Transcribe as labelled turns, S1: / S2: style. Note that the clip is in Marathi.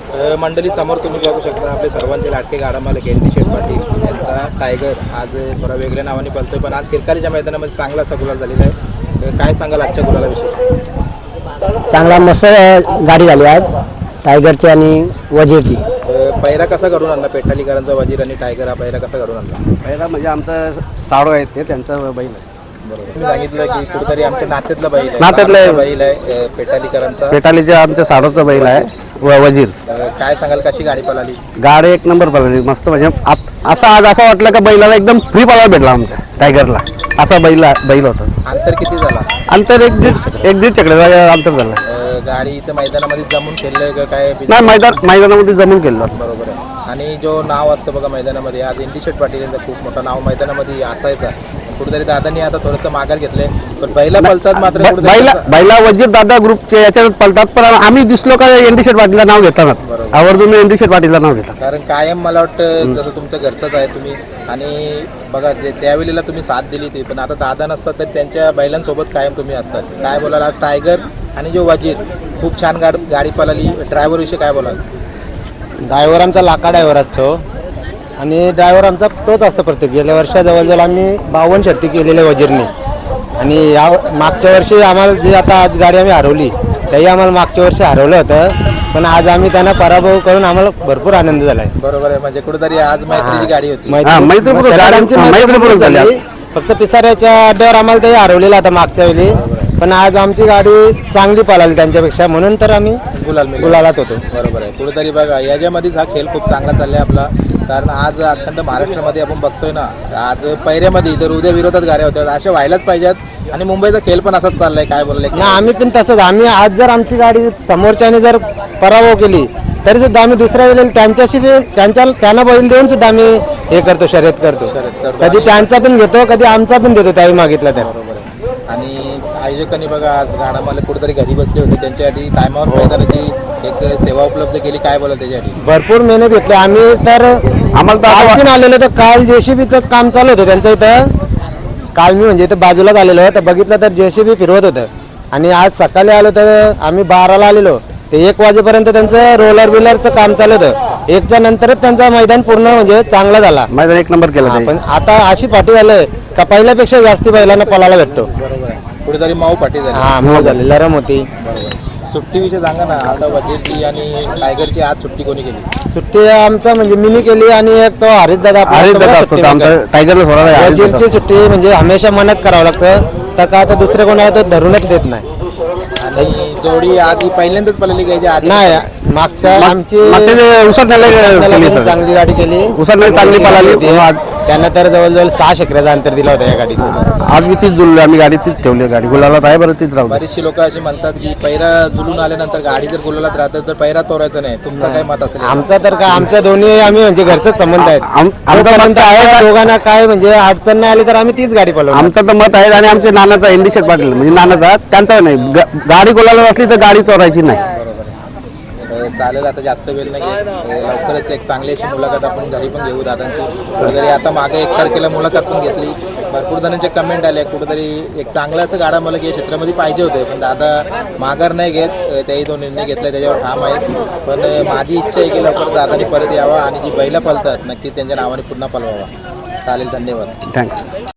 S1: मंडळी समोर तुम्ही बघू शकता आपले सर्वांचे लाटके गाडा मालक एनडी शेठ पाटील यांचा टायगर आज थोडा वेगळ्या नावाने पळतोय, पण आज किरकालीच्या मैदानामध्ये चांगला असा गुलाल झालेला आहे. काय सांगाल आजच्या गुलालाविषयी?
S2: चांगला मस्त गाडी झाली आज टायगरची आणि वजीरची.
S1: पैरा कसा घडून आणला? पेटालीकरांचा वजीर आणि टायगर हा पैरा कसा घडून आणला?
S3: पहिला म्हणजे आमचं साडो आहेत ते त्यांचा बैल आहे.
S1: बरोबर, तुम्ही सांगितलं की कुठेतरी आमच्या नात्यातला बैल आहे.
S3: नात्यातला आहे.
S1: बैल आहे पेटालीकरांचा.
S3: पेटालीच्या आमच्या साडोचा बैल आहे वजीर.
S1: काय सांगाल कशी गाडी पळाली?
S3: गाडी एक नंबर पळाली मस्त. म्हणजे आज असं वाटलं का बैलाला एकदम फ्री पळायला भेटला आमच्या टायगरला. असा बैल होता.
S1: अंतर किती झाला?
S3: अंतर एक दीड चकड्याचा अंतर झालं.
S1: गाडी इथं मैदानामध्ये जमून खेळलंय का काय?
S3: नाही, मैदानामध्ये जमून केलं.
S1: बरोबर आहे. आणि जो नाव असतं बघा मैदानामध्ये, आज एनडी शेठ पाटील यांचं खूप मोठं नाव मैदानामध्ये असायचा. कुठेतरी दादांनी आता थोडंसं माघार घेतलंय, पण बैला पळतात मात्र
S3: बैला वजीर दादा ग्रुपचे याच्यात पळतात. पण आम्ही दिसलो का एनडी शेठ पाटीलला नाव घेतानाच आवर्जून एनडी शेठ पाटीलला नाव घेतात.
S1: कारण कायम मला वाटतं जसं तुमचं घरचंच आहे तुम्ही. आणि बघा त्यावेळेला तुम्ही साथ दिली ती, पण आता दादा नसतात तर त्यांच्या बैलांसोबत कायम तुम्ही असतात. काय बोलाल टायगर आणि जो वजीर खूप छान गाडी पळाली. ड्रायव्हर विषयी काय बोलाल?
S2: ड्रायव्हर आमचा लाका ड्रायव्हर असतो आणि ड्रायव्हर आमचा तोच असतो प्रत्येक. गेल्या वर्षा जवळजवळ आम्ही 52 शर्ती केलेल्या वजीरने. आणि या मागच्या वर्षी आम्हाला जी आता आज गाडी आम्ही हरवली त्याही आम्हाला मागच्या वर्षी हरवलं होतं, पण आज आम्ही त्यांना पराभव करून आम्हाला भरपूर आनंद झाला आहे.
S1: बरोबर आहे. म्हणजे कुठेतरी आज मैत्रीची गाडी होती.
S3: मैत्रीपूर्वक झाली.
S2: फक्त पिसाऱ्याच्या अड्ड्यावर आम्हाला ते हरवलेलं आता मागच्या वेळी, पण आज आमची गाडी चांगली पळाली त्यांच्यापेक्षा, म्हणून तर आम्ही गुलालात होतो.
S1: बरोबर आहे. कुठेतरी बघा याच्यामध्येच हा खेळ खूप चांगला चाललाय आपला. कारण आज अखंड महाराष्ट्रामध्ये आपण बघतोय ना, आज पैऱ्यामध्ये तर उद्या विरोधात गाड्या होत्या, अशा व्हायलाच पाहिजेत. आणि मुंबईचा खेळ पण असाच चाललाय. काय बोलले
S2: ना, आम्ही पण तसंच. आम्ही आज जर आमची गाडी समोरच्याने जर पराभव केली तरी सुद्धा आम्ही दुसऱ्या वेळेला त्यांच्याशी त्यांना बैल देऊन सुद्धा आम्ही हे करतो, शर्यत करतो. कधी त्यांचा पण घेतो, कधी आमचा पण देतो त्यावेळी मागितला तर.
S1: बरोबर आहे. आणि आयोजकांनी बघा आज गाडा मला कुठेतरी घरी बसले होते, त्यांच्यासाठी टायमावर मैदानाची एक सेवा उपलब्ध केली. काय बोला त्याच्यासाठी?
S2: भरपूर मेहनत घेतली आम्ही. तर आम्हाला तर आलेलो तर काल जेसीबीचं काम चालू होतं त्यांचं इथं. काल मी म्हणजे इथं बाजूलाच आलेलो तर बघितलं तर जेसीबी फिरवत होतं. आणि आज सकाळी आलो तर आम्ही 12ला आलेलो ते 1 वाजेपर्यंत त्यांचं रोलर बिलरचं काम चालू होतं. 1च्या नंतरच त्यांचा मैदान पूर्ण म्हणजे चांगला झाला.
S3: मैदान एक नंबर केलं.
S2: पण आता अशी पाठी झालंय का पहिल्यापेक्षा जास्ती बैलांना पळायला भेटतो.
S1: बरोबर आहे. कुठेतरी माऊ पाठी झाली.
S2: हा, मऊ झाली, लरम होती.
S1: सुट्टीविषयी सांगा ना. आता वजीरची आणि टायगरची आज सुट्टी कोणी केली?
S2: सुट्टी आमचा म्हणजे मिनी केली आणि एक तो हरीश दादा
S3: टायगरला
S2: वजीरची सुट्टी म्हणजे हमेशा मनच करावं लागतं. तर का आता दुसरे कोणाला तो धरूनच देत नाही.
S1: आणि जोडी आधी पहिल्यांदाच पळाली घ्यायची आधी
S2: नाही, मागच्या आमची चांगली गाडी केली,
S3: चांगली पळाली.
S2: त्यांना तर जवळजवळ 6 शेकड्याचं अंतर दिला होता या गाडीत.
S3: आज मी तीच जुळलो, आम्ही गाडी तीच ठेवली. गाडी गुलालात आहे बरं, तीच राहू.
S1: बरीचशी लोक अशी म्हणतात की पैरा जुलून आल्यानंतर गाडी जर गुलालात राहतं तर पैरा तोरायचा नाही. तुमचं काय मत असेल?
S2: आमचा तर काय, आमच्या दोन्ही आम्ही म्हणजे घरचंच संबंध आहेत. आमचं मत आहे दोघांना काय म्हणजे अडचण नाही आली तर आम्ही तीच गाडी पळवू.
S3: आमचं तर मत आहे. आणि आमच्या नानाचा एनडी शेठ पाटील म्हणजे नानाचा, त्यांचा नाही. गाडी गुलाला असली तर गाडी तोरायची नाही.
S1: चालेल. आता जास्त वेळ नाही घेत. लवकरच एक चांगली अशी मुलाखत आपण घरी पण घेऊ दादांची. कुठेतरी आता मागे 1 तारखेला मुलाखत पण घेतली. भरपूर जणांचे कमेंट आले कुठेतरी एक चांगलं असं गाडा मला या क्षेत्रामध्ये पाहिजे होते, पण दादा माघार नाही घेत. त्याही तो निर्णय घेतला त्याच्यावर ठाम आहेत. पण माझी इच्छा आहे की लवकर दादानी परत यावा आणि जी बैला पळतात नक्की त्यांच्या नावाने पुन्हा पळवावा. चालेल, धन्यवाद.
S3: थँक्यू.